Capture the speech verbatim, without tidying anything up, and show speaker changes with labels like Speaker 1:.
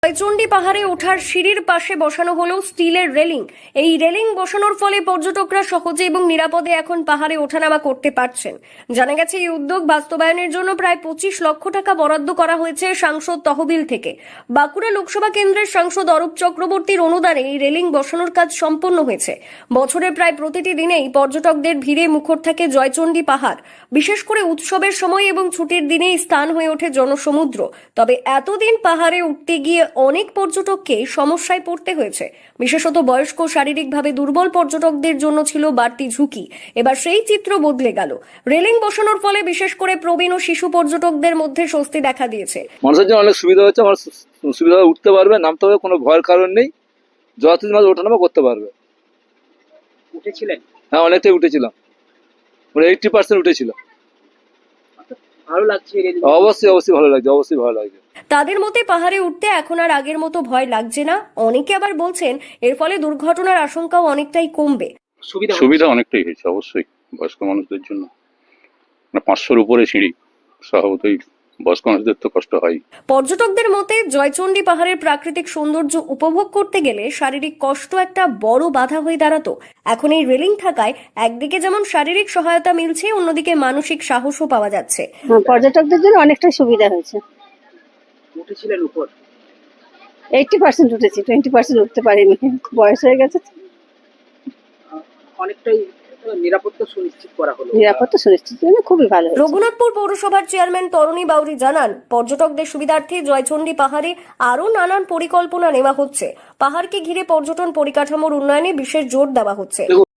Speaker 1: জয়চণ্ডী পাহাড়ে ওঠার সিঁড়ির পাশে বসানো হলো স্টিলের রেলিং। এই রেলিং বসানোর ফলে পর্যটকরা সহজে এবং নিরাপদে এখন পাহাড়ে ওঠানামা করতে পারছেন। জানা গেছে এই উদ্যোগ বাস্তবায়নের জন্য প্রায় পঁচিশ লক্ষ টাকা বরাদ্দ করা হয়েছে সাংসদ তহবিল থেকে। বাঁকুড়া লোকসভা কেন্দ্রের সাংসদ অরূপ চক্রবর্তীর অনুদানে এই রেলিং বসানোর কাজ সম্পন্ন হয়েছে। বছরের প্রায় প্রতিটি দিনেই পর্যটকদের ভিড়ে মুখর থাকে জয়চণ্ডী পাহাড়। বিশেষ করে উৎসবের সময় এবং ছুটির দিনে স্থান হয়ে ওঠে জনসমুদ্র। তবে এতদিন পাহাড়ে উঠতে গিয়ে অনেক পর্যটককে সমস্যায় পড়তে হয়েছে। বিশেষত বয়স্ক শারীরিকভাবে দুর্বল পর্যটকদের জন্য ছিল বাড়তি ঝুঁকি। এবার সেই চিত্র বদলে গেল। রেলিং বসানোর ফলে বিশেষ করে প্রবীণ ও শিশু পর্যটকদের মধ্যে স্বস্তি দেখা দিয়েছে।
Speaker 2: মানুষের জন্য অনেক সুবিধা হচ্ছে, মানুষ সুবিধা উঠতে পারবে, নামতে হবে, কোনো ভয়ের কারণ নেই। যতদিন মানুষ ওঠানামা করতে পারবে।
Speaker 3: উঠেছিলেন?
Speaker 2: হ্যাঁ, অনেকটাই উঠেছিলাম, এইটটি পার্সেন্ট উঠেছিল।
Speaker 3: ভালো লাগছে?
Speaker 2: অবশ্যই অবশ্যই ভালো লাগছে, অবশ্যই ভালো লাগছে।
Speaker 1: তাদের মতে পাহাড়ে উঠতে এখন আর আগের মতো ভয় লাগছে না। অনেকে আবার বলছেন এর ফলে দুর্ঘটনার আশঙ্কাও অনেকটাই কমবে।
Speaker 3: সুবিধা
Speaker 4: সুবিধা অনেকটাই হয়েছে অবশ্যই বয়স্ক মানুষদের জন্য। পাঁচশোর উপরে সিঁড়ি, স্বভাবতই বয়স্ক মানুষদের তো কষ্ট হয়।
Speaker 1: পর্যটকদের মতে জয়চণ্ডী পাহাড়ের প্রাকৃতিক সৌন্দর্য উপভোগ করতে গেলে শারীরিক কষ্ট একটা বড় বাধা হয়ে দাঁড়াতো। এখন এই রেলিং থাকায় একদিকে যেমন শারীরিক সহায়তা মিলছে, অন্যদিকে মানসিক সাহসও পাওয়া যাচ্ছে।
Speaker 5: পর্যটকদের জন্য অনেকটাই সুবিধা হয়েছে।
Speaker 3: উঠেছিলেন উপর?
Speaker 5: এইটটি পার্সেন্ট উঠেছি, টোয়েন্টি পার্সেন্ট উঠতে পারিনি, বয়স হয়ে গেছে।
Speaker 3: অনেকটাই নিরাপত্তা সুনিশ্চিত করা হলো।
Speaker 5: নিরাপত্তা সুনিশ্চিত জন্য খুবই ভালো।
Speaker 1: রঘুনাথপুর পৌরসভার চেয়ারম্যান তরুণী বাউরি জানান, পর্যটকদের সুবিধার্থে জয়চণ্ডী পাহাড়ে আরও নানান পরিকল্পনা নেওয়া হচ্ছে। পাহাড়কে ঘিরে পর্যটন পরিকাঠামোর উন্নয়নে বিশেষ জোর দেওয়া হচ্ছে।